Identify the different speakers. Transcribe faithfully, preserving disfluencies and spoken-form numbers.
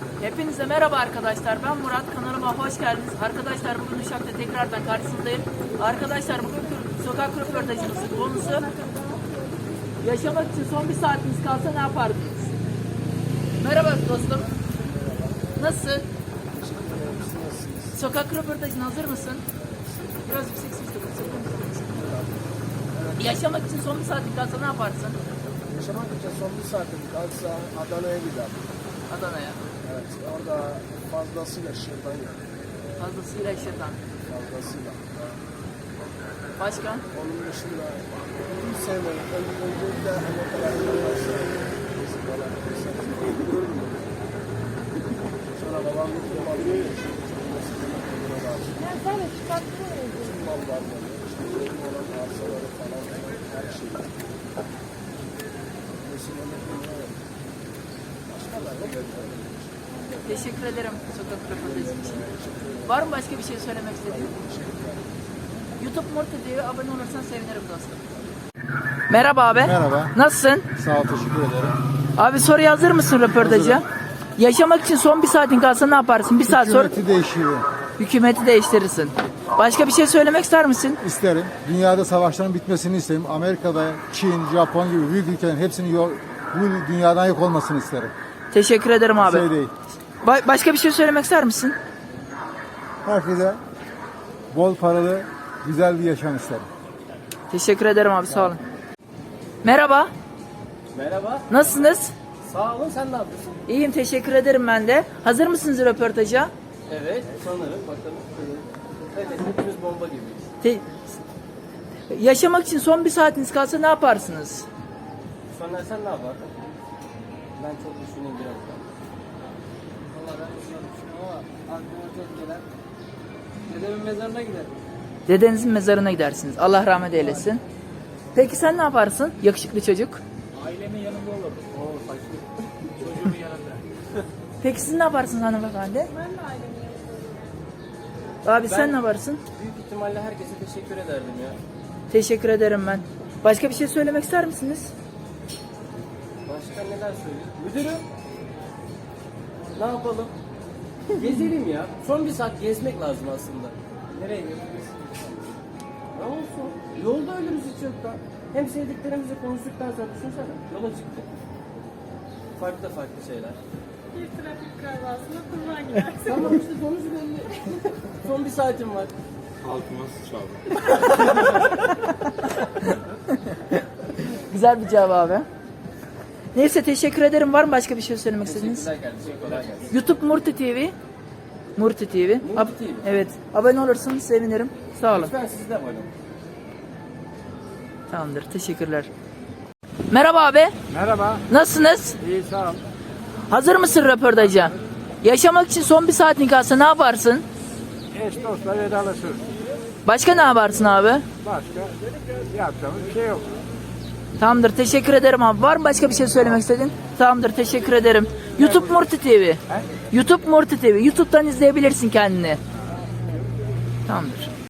Speaker 1: Hepinize merhaba arkadaşlar. Ben Murat. Kanalıma hoş geldiniz. Arkadaşlar bugün Uşak'ta tekrardan karşınızdayım. Arkadaşlar bugün sokak röportajımızın konusu yaşamak için son bir saatiniz kalsa ne yapardınız? Merhaba dostum. Nasılsın? Sokak röportajına hazır mısın? Biraz yüksek sesle konuşalım. Yaşamak için son bir saatin kalsa ne yaparsın?
Speaker 2: Yaşamak için son bir saatim kalsa Adana'ya giderdim.
Speaker 1: Adana'ya.
Speaker 2: Evet, orada fazlasıyla şırdan yerim.
Speaker 1: Fazlasıyla şırdan.
Speaker 2: Fazlasıyla.
Speaker 1: Başka?
Speaker 2: Onun dışında hiç sevmedim. Ön- Öncelikle hani o kadar arkadaşlar. Bizim falan görmüyorum. Sonra babam bir film alıyor ya. Şimdi buna da
Speaker 3: Ya sen de çıkarttın mı?
Speaker 2: bütün mal varları. İşte benim olan arsaları falan her şeyi. Mesela ne bilmiyorum. Başkalar ne görüyorum.
Speaker 1: Teşekkür ederim sokak röportajı için. Var mı başka bir şey söylemek istediğin? YouTube Morty T V'ye abone olursan sevinirim dostum. Merhaba abi.
Speaker 4: Merhaba.
Speaker 1: Nasılsın?
Speaker 4: Sağ ol, teşekkür ederim.
Speaker 1: Abi soruya hazır mısın röportaja?
Speaker 4: Hazırım.
Speaker 1: Yaşamak için son bir saatin kalsa ne yaparsın? Bir saat sonra
Speaker 4: Hükümeti değişiyor.
Speaker 1: hükümeti değiştirirsin. Başka bir şey söylemek ister misin?
Speaker 4: İsterim. Dünyada savaşların bitmesini isterim. Amerika'da, Çin, Japon gibi büyük ülkelerin hepsinin yok, bu dünyadan yok olmasını isterim.
Speaker 1: Teşekkür ederim abi.
Speaker 4: Şey değil.
Speaker 1: Ba- başka bir şey söylemek ister misin?
Speaker 4: Herkese bol paralı, güzel bir yaşam isterim.
Speaker 1: Teşekkür ederim abi, sağ olun. Merhaba.
Speaker 5: Merhaba.
Speaker 1: Nasılsınız?
Speaker 5: Sağ olun, sen ne yapıyorsun?
Speaker 1: İyiyim, teşekkür ederim ben de. Hazır mısınız röportaja?
Speaker 5: Evet, sanırım. Bakalım. Evet, hepimiz bomba gibiyiz.
Speaker 1: Te- Yaşamak için son bir saatiniz kalsa ne yaparsınız?
Speaker 5: Sonra sen ne yapardın? Ben çok düşüneyim biraz daha.
Speaker 6: Valla ben de düşünüyorum ama aklıma tek gelen dedemin mezarına giderim.
Speaker 1: Dedenizin mezarına gidersiniz. Allah rahmet eylesin. Peki sen ne yaparsın? Yakışıklı çocuk.
Speaker 6: Ailemin yanında olurum. Oo saçlı. Çocuğumun yanında.
Speaker 1: Peki siz ne yaparsınız hanımefendi?
Speaker 3: Ben de ailemin yanında.
Speaker 1: Abi sen ne yaparsın?
Speaker 5: Büyük ihtimalle herkese teşekkür ederdim ya.
Speaker 1: Teşekkür ederim ben. Başka bir şey söylemek ister misiniz?
Speaker 5: Başka neler söyleyeyim? Müdürüm. Ne yapalım? Gezelim ya. Son bir saat gezmek lazım aslında. Nereye gidiyoruz? Ne olsun? Yolda ölürüz hiç yoktan. Hem sevdiklerimizi konuştuktan sonra düşünsene. Yola çıktık. Farklı farklı şeyler.
Speaker 3: Bir trafik kazasına kurban gidersin.
Speaker 5: Tamam işte sonuç belli. Son bir saatim var.
Speaker 1: Güzel bir cevap abi. Neyse, teşekkür ederim. Var mı başka bir şey söylemek istediğiniz?
Speaker 5: Teşekkürler kardeşim. Kolay gelsin.
Speaker 1: YouTube Murti T V. Murti T V.
Speaker 5: Murti
Speaker 1: Ab-
Speaker 5: T V.
Speaker 1: Evet. Abone olursanız sevinirim. Sağ olun.
Speaker 5: Lütfen siz de abone olun.
Speaker 1: Tamamdır. Teşekkürler. Merhaba abi.
Speaker 6: Merhaba.
Speaker 1: Nasılsınız?
Speaker 6: İyi sağ ol.
Speaker 1: Hazır mısın röportaja? Yaşamak için son bir saatin kalsa ne yaparsın?
Speaker 6: Eş dostla vedalaşırız.
Speaker 1: Başka ne yaparsın abi?
Speaker 6: Başka yapacağımız bir şey yok.
Speaker 1: Tamamdır. Teşekkür ederim abi. Var mı başka bir şey söylemek istedin? Tamamdır. Teşekkür ederim. YouTube Murti T V. YouTube Murti T V. YouTube'dan izleyebilirsin kendini. Tamamdır.